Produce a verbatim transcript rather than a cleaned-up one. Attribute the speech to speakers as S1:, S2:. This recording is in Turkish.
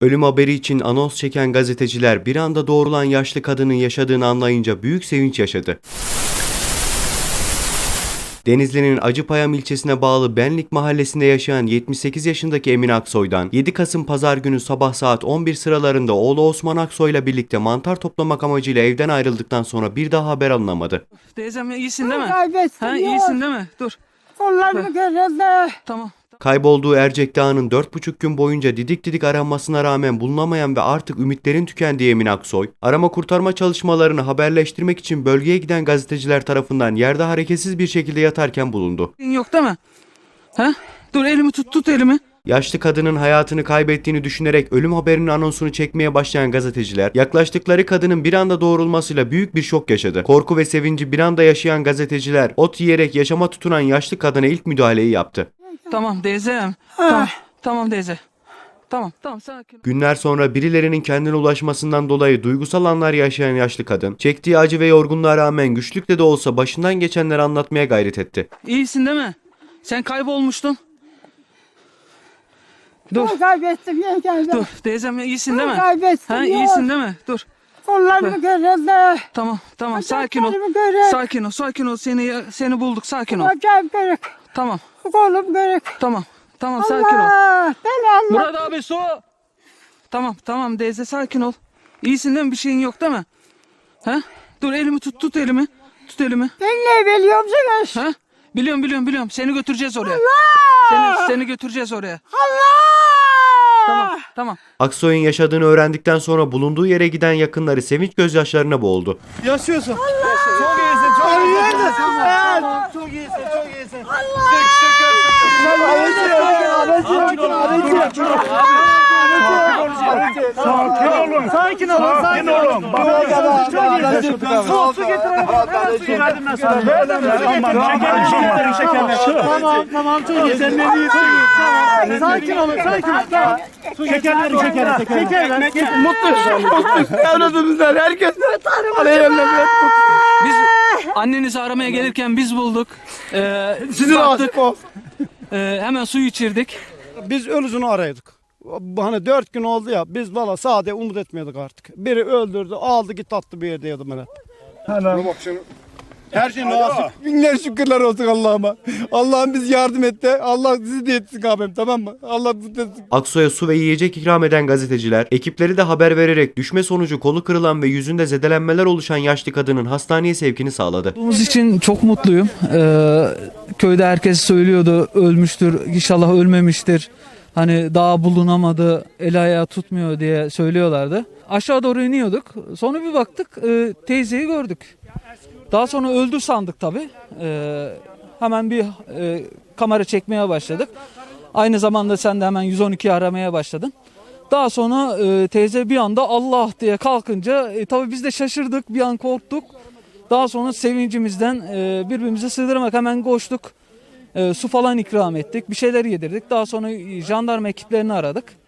S1: Ölüm haberi için anons çeken gazeteciler bir anda doğrulan yaşlı kadının yaşadığını anlayınca büyük sevinç yaşadı. Denizli'nin Acıpayam ilçesine bağlı Benlik mahallesinde yaşayan yetmiş sekiz yaşındaki Emin Aksoy'dan yedi Kasım Pazar günü sabah saat on bir sıralarında oğlu Osman Aksoy ile birlikte mantar toplamak amacıyla evden ayrıldıktan sonra bir daha haber alınamadı.
S2: Teyzem iyisin değil mi?
S3: Kaybetsin
S2: Ha,
S3: ya.
S2: iyisin değil mi? Dur.
S3: Kollarımı kırıldı.
S2: Tamam.
S1: Kaybolduğu Ercek Dağı'nın dört buçuk gün boyunca didik didik aranmasına rağmen bulunamayan ve artık ümitlerin tükendiği Emin Aksoy, arama kurtarma çalışmalarını haberleştirmek için bölgeye giden gazeteciler tarafından yerde hareketsiz bir şekilde yatarken bulundu.
S2: Yok değil mi? Ha? Dur elimi tut tut elimi.
S1: Yaşlı kadının hayatını kaybettiğini düşünerek ölüm haberinin anonsunu çekmeye başlayan gazeteciler, yaklaştıkları kadının bir anda doğrulmasıyla büyük bir şok yaşadı. Korku ve sevinci bir anda yaşayan gazeteciler, ot yiyerek yaşama tutunan yaşlı kadına ilk müdahaleyi yaptı.
S2: Tamam teyzem. Tamam. Tamam teyze. Tamam tamam sakin ol.
S1: Günler sonra birilerinin kendine ulaşmasından dolayı duygusal anlar yaşayan yaşlı kadın, çektiği acı ve yorgunluğa rağmen güçlükle de olsa başından geçenleri anlatmaya gayret etti.
S2: İyisin değil mi? Sen kaybolmuştun. Dur.
S3: Ben kaybettim yengem.
S2: Dur teyzem iyisin değil mi?
S3: Kaybettim
S2: Ha
S3: ya.
S2: iyisin değil mi? Dur.
S3: Kollarımı kırıldı.
S2: Tamam tamam sakin ol.
S3: Bacaklarımı kırık.
S2: Sakin ol sakin ol. Seni seni bulduk sakin ol.
S3: Bacağım kırık.
S2: Tamam
S3: Kolum kırık.
S2: tamam. Tamam sakin ol.
S3: Allah. Ben Allah.
S2: Murat abi su. Tamam tamam teyze sakin ol. İyisin değil mi? Bir şeyin yok değil mi? Ha? Dur elimi tut tut elimi. Tut elimi.
S3: Ben ne biliyor musunuz?
S2: Ha? Biliyorum biliyorum biliyorum. Seni götüreceğiz oraya.
S3: Allah.
S2: Seni seni götüreceğiz oraya.
S3: Allah.
S2: Tamam tamam.
S1: Aksoy'un yaşadığını öğrendikten sonra bulunduğu yere giden yakınları sevinç gözyaşlarına boğuldu.
S4: Yaşıyorsun. Çok iyisin, çok iyisin. Tamam, çok iyisin, çok iyisin. Allah! Sakin olun. Sakin olun. Sakin olun. Su, su getirelim. Hemen su getirdim ben sana. Şekerleri, şekerleri. Tamam, tamam. Çok iyi. Sen ne diyorsun? Tamam. Sakin olun, sakin olun. Şekerleri, şekerleri. Şekerler. Mutluyuz. Mutluyuz. Evladımızdan herkes. Aleyhemle.
S2: Biz annenizi aramaya gelirken biz bulduk. Ee,
S4: Sizin
S2: baktık,
S4: aşık olsun.
S2: e, hemen su içirdik.
S4: Biz ölüsünü arıyorduk. Hani dört gün oldu ya, biz valla sade umut etmiyorduk artık. Biri öldürdü, aldı git attı bir yerde yedim ben hep. Her şey nasip. Binler şükürler olsun Allah'ıma. Allah'ım biz yardım etti. Allah sizi de etsin abim, tamam mı? Allah sizi de etsin.
S1: Aksoy'a su ve yiyecek ikram eden gazeteciler, ekipleri de haber vererek düşme sonucu kolu kırılan ve yüzünde zedelenmeler oluşan yaşlı kadının hastaneye sevkini sağladı.
S2: Olduğumuz için çok mutluyum. Ee, köyde herkes söylüyordu ölmüştür, inşallah ölmemiştir. Hani daha bulunamadı, el ayağı tutmuyor diye söylüyorlardı. Aşağı doğru iniyorduk. Sonra bir baktık e, teyzeyi gördük. Daha sonra öldü sandık tabii. Ee, hemen bir e, kamera çekmeye başladık. Aynı zamanda sen de hemen yüz on ikiyi aramaya başladın. Daha sonra e, teyze bir anda Allah diye kalkınca e, tabii biz de şaşırdık, bir an korktuk. Daha sonra sevincimizden e, birbirimize sığdırmak hemen koştuk. E, su falan ikram ettik, bir şeyler yedirdik. Daha sonra jandarma ekiplerini aradık.